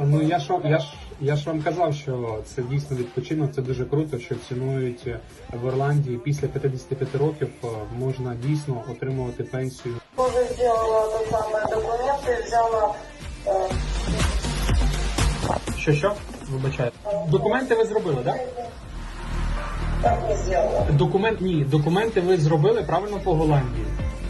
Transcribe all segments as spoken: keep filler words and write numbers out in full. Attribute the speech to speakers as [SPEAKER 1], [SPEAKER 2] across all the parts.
[SPEAKER 1] Ну я ж вам- я ж я ж вам казав, що це дійсно відпочинок, це дуже круто, що цінують в Ірландії. Після п'ятдесят п'ять років е, можна дійсно отримувати пенсію.
[SPEAKER 2] Тоже сделала тот самый документы, взяла э,
[SPEAKER 1] Що що? Вибачаю. Документи ви зробили, так?
[SPEAKER 2] так не сделала.
[SPEAKER 1] Документ ні, документи ви зробили правильно по Голландії.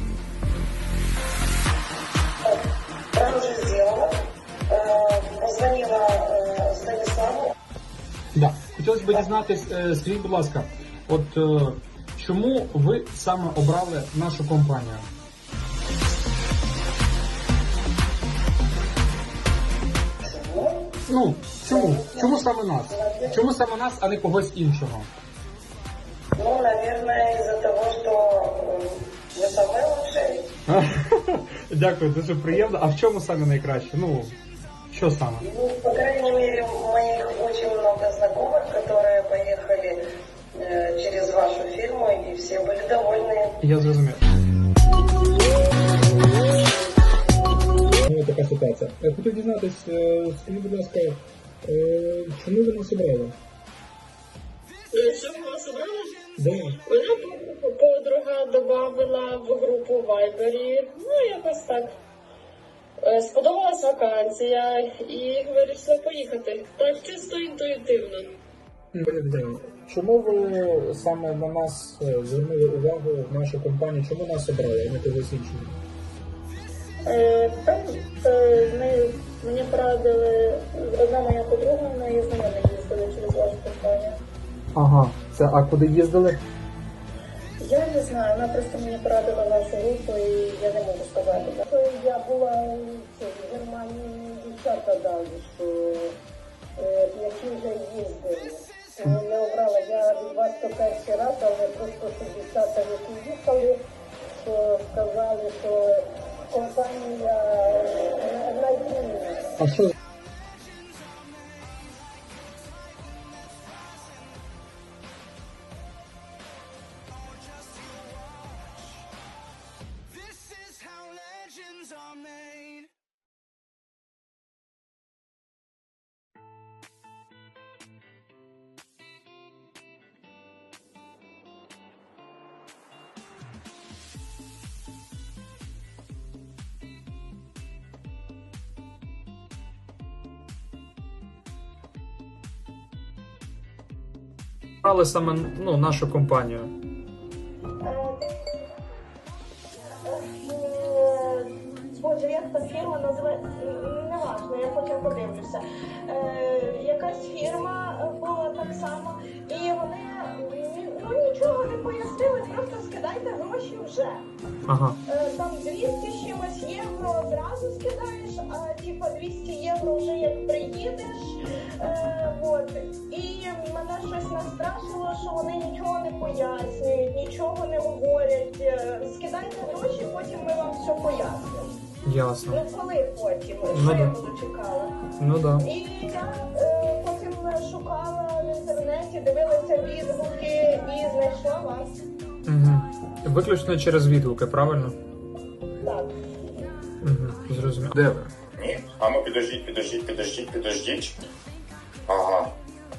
[SPEAKER 2] Я уже сделала. Э, позвонила э, Станиславу.
[SPEAKER 1] Да. Хотілося б дізнатись, е, скажіть, будь ласка, от е, чому ви саме обрали нашу компанію? Ну, чому? Чому саме нас? Чому саме нас, а не когось іншого?
[SPEAKER 2] Ну, наверное, из-за того, что э, вы самый лучший.
[SPEAKER 1] Дякую, дуже приємно. А в чому саме найкраще? Ну, що саме?
[SPEAKER 2] Ну, по крайней мере, у моих очень много знакомых, которые поехали э, через вашу фирму, и все были довольны.
[SPEAKER 1] Я зрозумів. Ну, така ситуація. Я хотів дізнатись, скажіть, будь ласка, чому ви нас обрали?
[SPEAKER 3] Чому вас обрали?
[SPEAKER 1] Да.
[SPEAKER 3] Мене подруга додавила в групу в Вайбері. Ну, якось так. Е, Сподобалась вакансія і вирішила поїхати. Так, чисто інтуїтивно.
[SPEAKER 1] Чому ви саме на нас звернули увагу в нашу компанію? Чому нас обрали, а не когось іншого?
[SPEAKER 3] Е, Там е, ми, мені порадили, одна моя подруга, вона і знайома їздили через вашу компанію.
[SPEAKER 1] Ага, це а куди їздили?
[SPEAKER 3] Я не знаю, вона просто мені порадила вашу групу і я не можу сказати. Я була в Германії, дівчата дали, що е, які вже їздили. Тому я обрала, я від вас то перший раз, але просто що дівчата, які їхали, що сказали, що компанія е, надійна.
[SPEAKER 1] А що? Обрали саме ну, нашу компанію.
[SPEAKER 3] Боже, як та фірма називається? Неважно, я потім подивлюся. Е, якась фірма була так само, і вони ну, нічого не пояснили, просто скидайте гроші вже.
[SPEAKER 1] Ага.
[SPEAKER 3] Е, там двісті з чимось євро одразу скидаєш, а типа двісті євро вже як приїдеш. Е, от. І мене щось настрашило, що вони нічого не пояснюють, нічого не говорять. Е, Скидайте гроші, потім ми вам все пояснимо.
[SPEAKER 1] Ясно.
[SPEAKER 3] Ну коли потім?
[SPEAKER 1] Ну,
[SPEAKER 3] Що я
[SPEAKER 1] да.
[SPEAKER 3] буду чекала?
[SPEAKER 1] Ну да.
[SPEAKER 3] І я е, потім шукала в інтернеті, дивилася відгуки і знайшла вас.
[SPEAKER 1] Угу. Виключно через відгуки, правильно?
[SPEAKER 3] Так.
[SPEAKER 1] Угу. Зрозуміло. Де ви?
[SPEAKER 4] Ні? А ну підождіть, підождіть, підождіть, підождіть. Ага.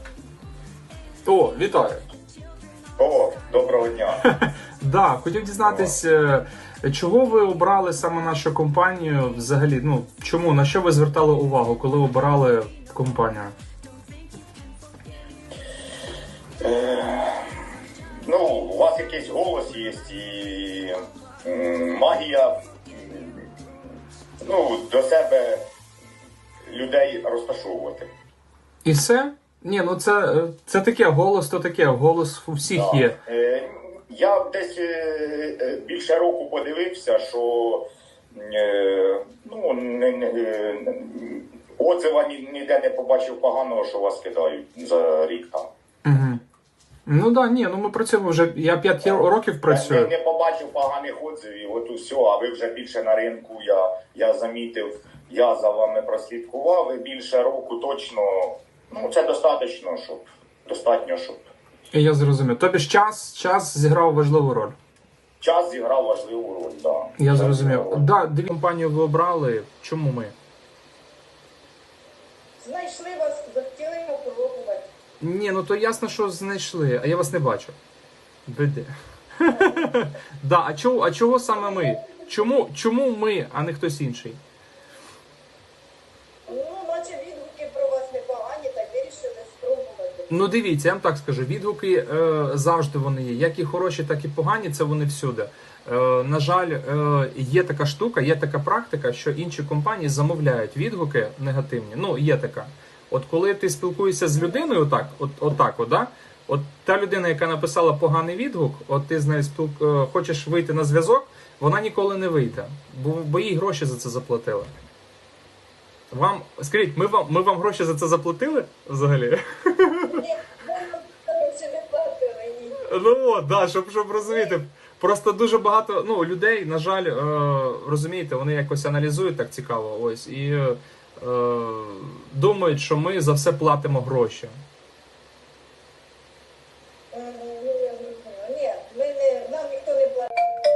[SPEAKER 1] О, вітаю.
[SPEAKER 4] О, доброго дня.
[SPEAKER 1] Да, хотів дізнатись, е, чого ви обрали саме нашу компанію взагалі? Ну, чому, на що ви звертали увагу, коли обирали компанію?
[SPEAKER 4] Е, ну, у вас якийсь голос є і м, магія, м, ну, до себе людей розташовувати.
[SPEAKER 1] І все? Ні, ну це, це таке, голос то таке, голос у всіх
[SPEAKER 4] Так.
[SPEAKER 1] є.
[SPEAKER 4] Е, я десь е, е, більше року подивився, що е, ну, не, не, е, отзива ні- ніде не побачив поганого, що вас кидають за рік там.
[SPEAKER 1] Угу. Ну так, да, ні, ну ми працюємо вже, я п'ять років
[SPEAKER 4] Я
[SPEAKER 1] працюю.
[SPEAKER 4] не, не побачив поганих отзивів, от усе, а ви вже більше на ринку, я, я замітив, я за вами прослідкував, ви більше року точно, ну це достатньо, щоб, достатньо, щоб
[SPEAKER 1] Я зрозумів. Тобі ж час, час зіграв важливу роль.
[SPEAKER 4] час зіграв важливу роль, так. Да.
[SPEAKER 1] Я
[SPEAKER 4] Час
[SPEAKER 1] зрозумів.
[SPEAKER 4] зіграв.
[SPEAKER 1] Да, дві компанії ви обрали. Чому ми?
[SPEAKER 5] Ні, ну то ясно, що знайшли, а я вас не бачу. Де? Да, а чого, а чого саме ми? Чому, чому ми, а не хтось інший?
[SPEAKER 3] Ну, наче відгуки про вас непогані, так вирішили спробувати.
[SPEAKER 5] Ну дивіться, я вам так скажу, відгуки е, завжди вони є. Як і хороші, так і погані, це вони всюди. Е, на жаль, е, є така штука, є така практика, що інші компанії замовляють відгуки негативні. Ну, є така. От коли ти спілкуєшся з людиною, отак, от, отак, от, да? От та людина, яка написала поганий відгук, от ти з нею спілк... е, хочеш вийти на зв'язок, вона ніколи не вийде, бо, бо їй гроші за це заплатили. Вам, скажіть, ми вам, ми вам гроші за це заплатили взагалі?
[SPEAKER 3] Ні, ви ще не платили, ні.
[SPEAKER 5] Ну, от, да, щоб, щоб розуміти. Просто дуже багато ну, людей, на жаль, е, розумієте, вони якось аналізують так цікаво, ось, і е, думають, що ми за все платимо гроші.
[SPEAKER 3] М, ну, я зрозуміла. Ні, ми не, нам ніхто не платить.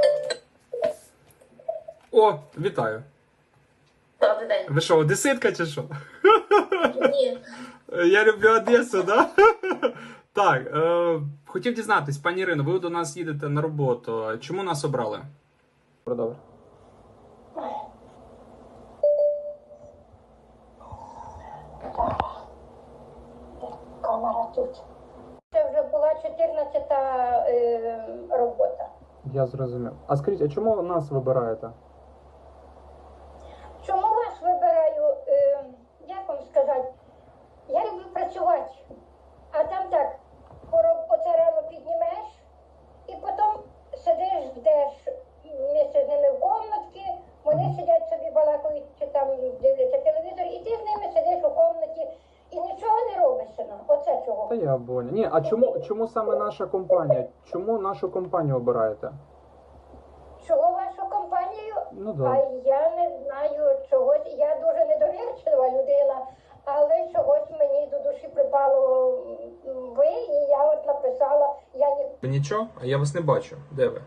[SPEAKER 5] О, вітаю.
[SPEAKER 3] Добрий день.
[SPEAKER 5] Ви що, одеситка чи що?
[SPEAKER 3] Ні.
[SPEAKER 5] Я люблю Одесу, да? Так, е, хотів дізнатись, пані Ірино, ви до нас їдете на роботу. Чому нас обрали? Добре.
[SPEAKER 3] Камера тут. Це вже була чотирнадцята е, робота.
[SPEAKER 5] Я зрозумів. А скажіть, а чому нас вибираєте?
[SPEAKER 3] Чому вас вибираю, е, як вам сказати, я люблю працювати, а там так, пороб- оце рано піднімеш, і потім сидиш, ждеш місце з ними в комнатці, вони сидять собі балакають, чи там дивляться телевізор, і ти з ними сидиш у комнаті, і нічого не робиш, сина. Оце чого.
[SPEAKER 5] Та я понял. Ні, а чому, чому саме наша компанія? Чому нашу компанію обираєте?
[SPEAKER 3] Чого вашу компанію?
[SPEAKER 5] Ну
[SPEAKER 3] А
[SPEAKER 5] да.
[SPEAKER 3] я не знаю чогось. Я дуже недовірчива людина, але чогось мені до душі припало м, ви, і я от написала, я ні.
[SPEAKER 5] Нічого, а я вас не бачу. Де ви?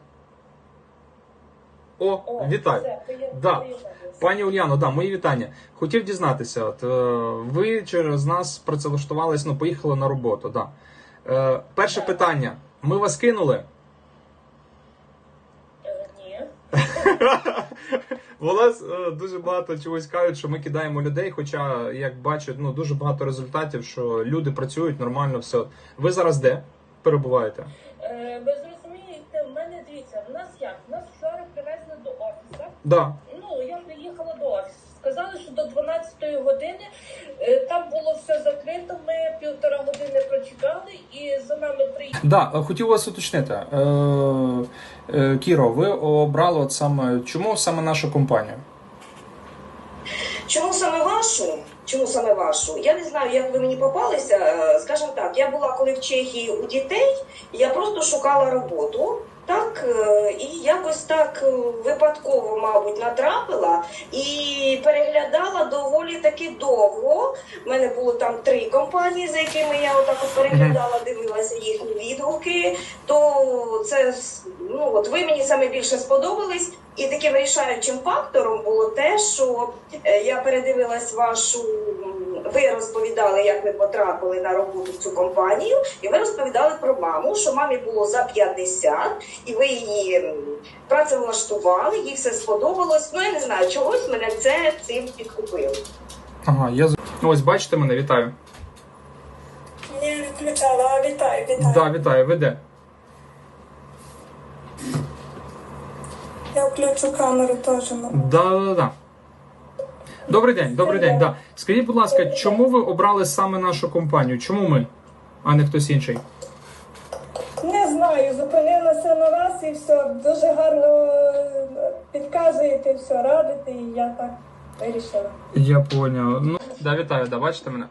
[SPEAKER 5] О, вітаю. Да. Пані Ульяно, да, мої вітання. Хотів дізнатися, от, е, ви через нас працевлаштувались, ну, поїхали на роботу, да. Е, перше питання. Ми вас кинули?
[SPEAKER 3] Ні.
[SPEAKER 5] У нас е, дуже багато чогось кажуть, що ми кидаємо людей, хоча, як бачать, ну, дуже багато результатів, що люди працюють нормально, все. Ви зараз де перебуваєте?
[SPEAKER 6] Е, Ви зрозумієте, в мене дивіться, в нас як? Нас вчора привезли до офісу.
[SPEAKER 5] Да.
[SPEAKER 6] Ну, я приїхала до офісу. Сказали, що до дванадцятої години е, там було все закрито. Ми півтора години прочекали і за нами приїхали.
[SPEAKER 5] Да, е, хотів вас уточнити. Е, е, Кіро, ви обрали от саме, чому саме нашу компанію?
[SPEAKER 2] Чому саме вашу? Чому саме вашу? Я не знаю, як ви мені попалися. Е, Скажімо так, я була коли в Чехії у дітей, я просто шукала роботу. Так, е, і якось так е, випадково, мабуть, натрапила і переглядала доволі таки довго. У мене було там три компанії, за якими я отак от переглядала, дивилася їхні відгуки. То це, ну от ви мені саме більше сподобались. І таким вирішаючим фактором було те, що е, я передивилась вашу, м, ви розповідали, як ви потрапили на роботу в цю компанію, і ви розповідали про маму, що мамі було за п'ятдесят, і ви її м, працевлаштували, їй все сподобалось. Ну, я не знаю, чогось мене це цим підкупило.
[SPEAKER 5] Ага, я з- ось бачите мене, вітаю.
[SPEAKER 3] Не включала, а вітаю, вітаю.
[SPEAKER 5] Да, вітаю, ви де?
[SPEAKER 3] Я включу камеру теж.
[SPEAKER 5] Да, да, да. Добрий день, добрий день. Да. Скажіть, будь ласка, чому ви обрали саме нашу компанію? Чому ми, а не хтось інший?
[SPEAKER 3] Не знаю, зупинилася на вас і все. Дуже гарно підказуєте, все радите, і я так вирішила.
[SPEAKER 5] Я поняв. Ну, да, вітаю, да, бачите мене?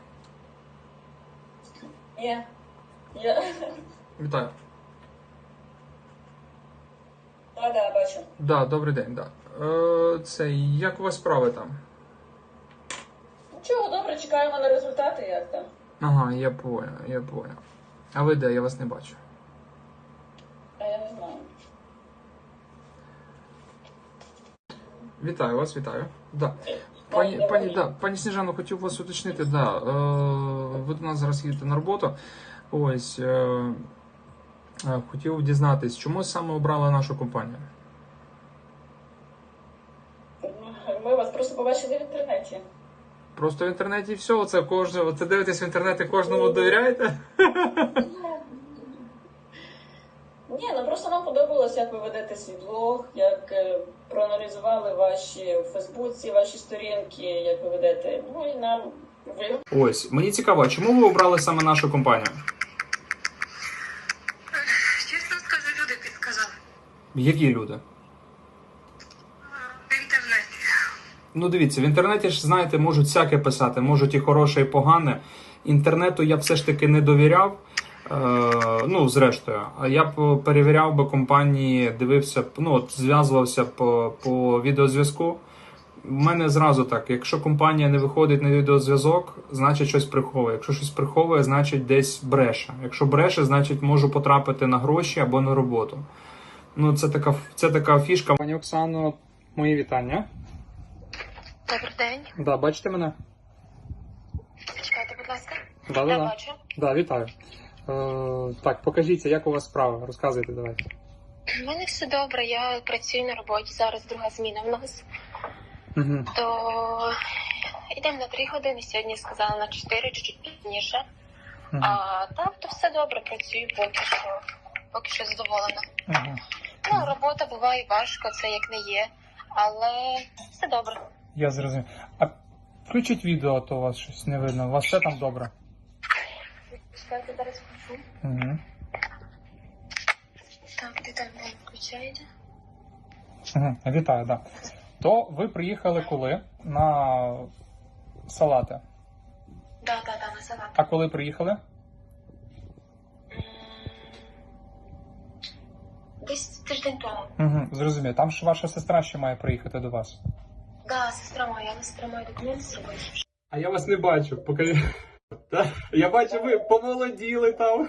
[SPEAKER 6] Ні. Я...
[SPEAKER 5] Вітаю.
[SPEAKER 6] А, да, бачу.
[SPEAKER 5] Да, добрий день, да. Е, це, як у вас справи там?
[SPEAKER 6] Чого, добре, чекаємо на результати, як там.
[SPEAKER 5] Ага, я поняв, я поняв. А ви де? Я вас не бачу.
[SPEAKER 6] А я не знаю.
[SPEAKER 5] Вітаю вас, вітаю. Да. Пані, пані, да, пані Сніжано, хотів вас уточнити, да, е, ви до нас зараз їдете на роботу. Ось, е, е, хотів дізнатись, чому саме обрали нашу компанію?
[SPEAKER 7] Ми вас просто побачили в інтернеті.
[SPEAKER 5] Просто в інтернеті і все, оце кожне, оце дивитесь в інтернеті, кожному довіряєте?
[SPEAKER 7] Ні, ну просто нам подобалось, як ви ведете свій блог, як е, проаналізували ваші в Фейсбуці, ваші сторінки, як ви ведете. Ну і нам ви.
[SPEAKER 5] Ось, мені цікаво, а чому ви обрали саме нашу компанію?
[SPEAKER 8] Чесно скажу, люди підказали.
[SPEAKER 5] Які люди?
[SPEAKER 8] В інтернеті.
[SPEAKER 5] Ну дивіться, в інтернеті ж, знаєте, можуть всяке писати, можуть і хороше, і погане. Інтернету я б все ж таки не довіряв. Е, ну, зрештою, а я б перевіряв би компанії, дивився б, ну, от зв'язувався б по, по відеозв'язку. У мене зразу так, якщо компанія не виходить на відеозв'язок, значить щось приховує. Якщо щось приховує, значить десь бреше. Якщо бреше, значить можу потрапити на гроші або на роботу. Ну, це така, це така фішка. Пані Оксано, мої вітання.
[SPEAKER 8] Добрий день.
[SPEAKER 5] Да, бачите мене?
[SPEAKER 8] Чекайте, будь ласка.
[SPEAKER 5] Да,
[SPEAKER 8] Я
[SPEAKER 5] да, да.
[SPEAKER 8] бачу.
[SPEAKER 5] Да, вітаю. Е, так, покажіться, як у вас справа. Розказуйте, давайте.
[SPEAKER 8] У мене все добре, я працюю на роботі, зараз друга зміна в нас.
[SPEAKER 5] Угу.
[SPEAKER 8] То йдемо на три години, сьогодні сказала на чотири, чуть-чуть пізніше.
[SPEAKER 5] Угу.
[SPEAKER 8] А так, то все добре, працюю поки що, поки що задоволена.
[SPEAKER 5] Угу.
[SPEAKER 8] Ну, робота буває важко, це як не є, але все добре.
[SPEAKER 5] Я зрозумів. А включіть відео, а то у вас щось не видно. У вас все там добре?
[SPEAKER 8] Чекайте, зараз включу.
[SPEAKER 5] Угу.
[SPEAKER 8] Так, де там не включаєте?
[SPEAKER 5] Угу. Вітаю, да. То ви приїхали коли? На салати.
[SPEAKER 8] Да, да, да, на салат.
[SPEAKER 5] А коли приїхали?
[SPEAKER 8] М, Десь тиждень тому.
[SPEAKER 5] Угу. Зрозумів. Там ж ваша сестра ще має приїхати до вас.
[SPEAKER 8] Да, сестра моя, але сестра моя документи зробити.
[SPEAKER 1] А я вас не бачу, покажи. Та? Я бачу, ви помолоділи там.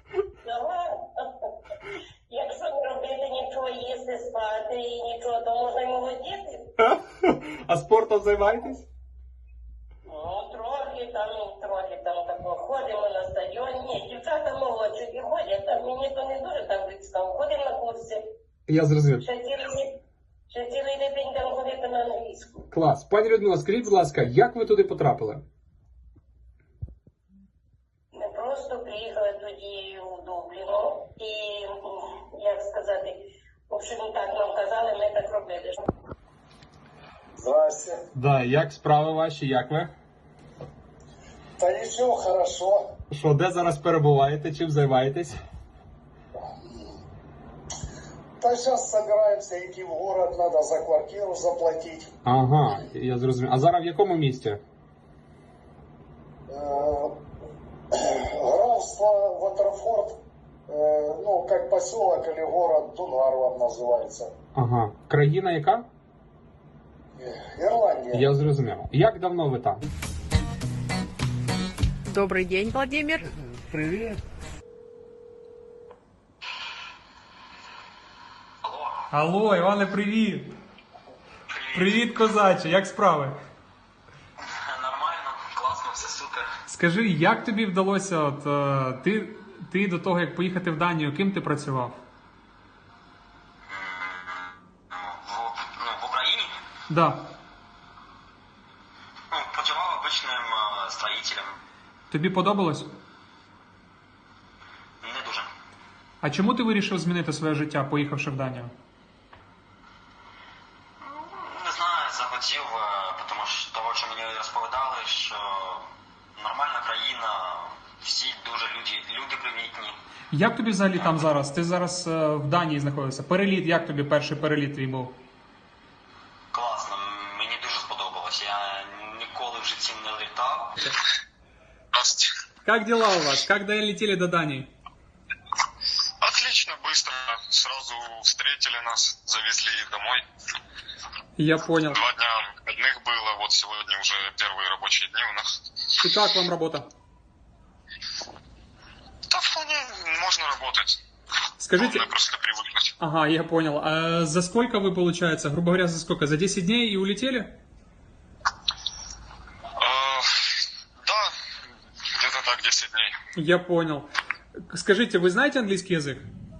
[SPEAKER 3] Якщо не робити нічого, їсти, спати і нічого, то можна й молодіти.
[SPEAKER 1] А спортом займаєтесь?
[SPEAKER 3] Ну, трохи там, трохи там тако. Ходимо на стадіон. Ні, дівчата молодші і ходять, там мені то не дуже там близько. Ходимо на курси.
[SPEAKER 1] Я зрозумів.
[SPEAKER 3] Ще цілий, ще цілий день там ходити на англійську.
[SPEAKER 1] Клас. Пані Людмила, скажіть, будь ласка, як ви туди потрапили?
[SPEAKER 3] Ми просто приїхали тоді у Дубліно і, як сказати, в общем, так нам казали, ми так робили.
[SPEAKER 9] Здрасте.
[SPEAKER 1] Да, як справи ваші, як ви?
[SPEAKER 9] Та ничего, хорошо.
[SPEAKER 1] Що, де зараз перебуваєте, чим займаєтесь?
[SPEAKER 9] Та сейчас собираемся идти в город, надо за квартиру заплатить.
[SPEAKER 1] Ага, я зрозумів. А зараз в якому місті?
[SPEAKER 9] Э, Графство Ватерфорд, э, ну, как поселок или город Дунгарван называется.
[SPEAKER 1] Ага. Країна яка?
[SPEAKER 9] Ирландия.
[SPEAKER 1] Я зрозумів. Як давно ви там?
[SPEAKER 10] Добрый день, Владимир.
[SPEAKER 1] Привіт.
[SPEAKER 5] Алло, Іване, привіт! Привіт, козаче, як справи?
[SPEAKER 11] Нормально, класно, все супер.
[SPEAKER 5] Скажи, як тобі вдалося, от, е, ти, ти до того, як поїхати в Данію, ким ти працював?
[SPEAKER 11] В, ну, в Україні?
[SPEAKER 5] Да.
[SPEAKER 11] Ну, працював обичним е, строїтелем.
[SPEAKER 5] Тобі подобалось?
[SPEAKER 11] Не дуже.
[SPEAKER 5] А чому ти вирішив змінити своє життя, поїхавши в Данію?
[SPEAKER 11] Ну, не знаю, захотів, е, тому що того, що мені розповідали, що нормальна країна, всі дуже люди, люди привітні.
[SPEAKER 5] Як тобі взагалі там зараз? Ти зараз е, в Данії знаходишся. Переліт, як тобі перший переліт твій був?
[SPEAKER 11] Класно, мені дуже сподобалось. Я ніколи в житті не літав.
[SPEAKER 5] Как дела у вас? Как долетели до Дании?
[SPEAKER 12] Отлично, быстро. Сразу встретили нас, завезли домой.
[SPEAKER 5] Я понял.
[SPEAKER 12] Два дня выходных было, вот сегодня уже первые рабочие дни у нас.
[SPEAKER 5] И как вам работа?
[SPEAKER 12] Да вполне можно работать.
[SPEAKER 5] Скажите...
[SPEAKER 12] Главное просто привыкнуть.
[SPEAKER 5] Ага, я понял. А за сколько вы, получается, грубо говоря, за сколько? За десять дней и улетели?
[SPEAKER 10] Я понял. Скажите, вы знаете английский язык?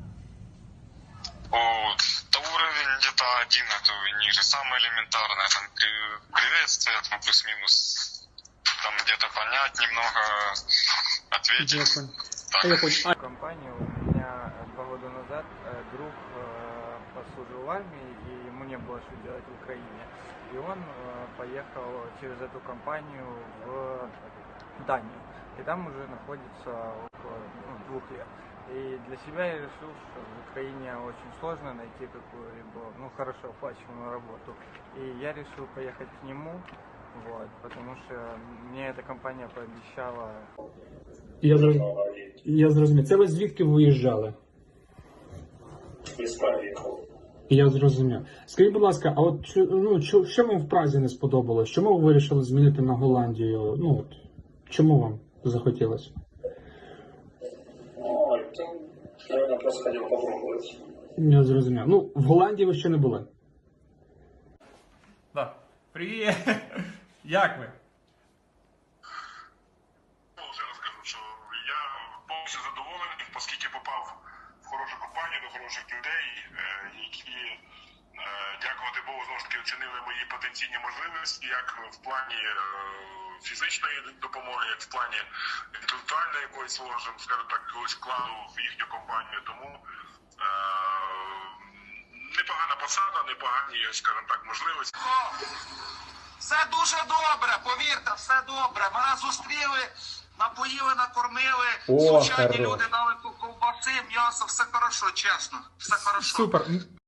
[SPEAKER 12] О, да уровень где-то один, а то и ниже. Самое элементарное, там при- приветствие, там плюс-минус, там где-то понять немного, ответить.
[SPEAKER 10] Я понял.
[SPEAKER 12] Так.
[SPEAKER 10] Я понял. А,
[SPEAKER 13] Компанию у меня два года назад э, друг э, послужил в армии, и ему не было что делать в Украине. И он э, поехал через эту компанию в Данию. И там уже находится около ну, двух лет. И для себя я решил, что в Украине очень сложно найти какую-либо, ну, хорошо оплачиваемую работу. И я решил поехать к нему, вот, потому что мне эта компания пообещала.
[SPEAKER 1] Я зрозумів. Я зрозумів. Це ви звідки виїжджали? Я зрозумів. Скажіть, будь ласка, а от що- ну, що, що вам в Празі не сподобалось? Чому ви вирішили змінити на Голландію? Ну, от, чому вам захотілося?
[SPEAKER 9] Наверное, просто хотел попробовать.
[SPEAKER 1] Я зрозумів. Ну, в Голландії ви ще не були.
[SPEAKER 10] да. Привет. Як ви?
[SPEAKER 12] Вже розкажу, що я повністю задоволений, оскільки попав в хорошу компанію, до хороших людей, е, які, е, дякувати Богу, знову ж таки оцінили мої потенційні можливості, як в плані е, фізичної допомоги, як в плані інтелектуальної якоїсь, скажімо так, якогось вкладу в їхню компанію. Тому е, непогана посада, непогані, скажімо так, можливості.
[SPEAKER 14] Все дуже добре, повірте, все добре. Мене зустріли, напоїли, накормили,
[SPEAKER 10] О,
[SPEAKER 14] звичайні
[SPEAKER 10] хорош.
[SPEAKER 14] люди дали ковбаси, м'ясо, все хорошо, чесно, все хорошо.
[SPEAKER 10] Супер.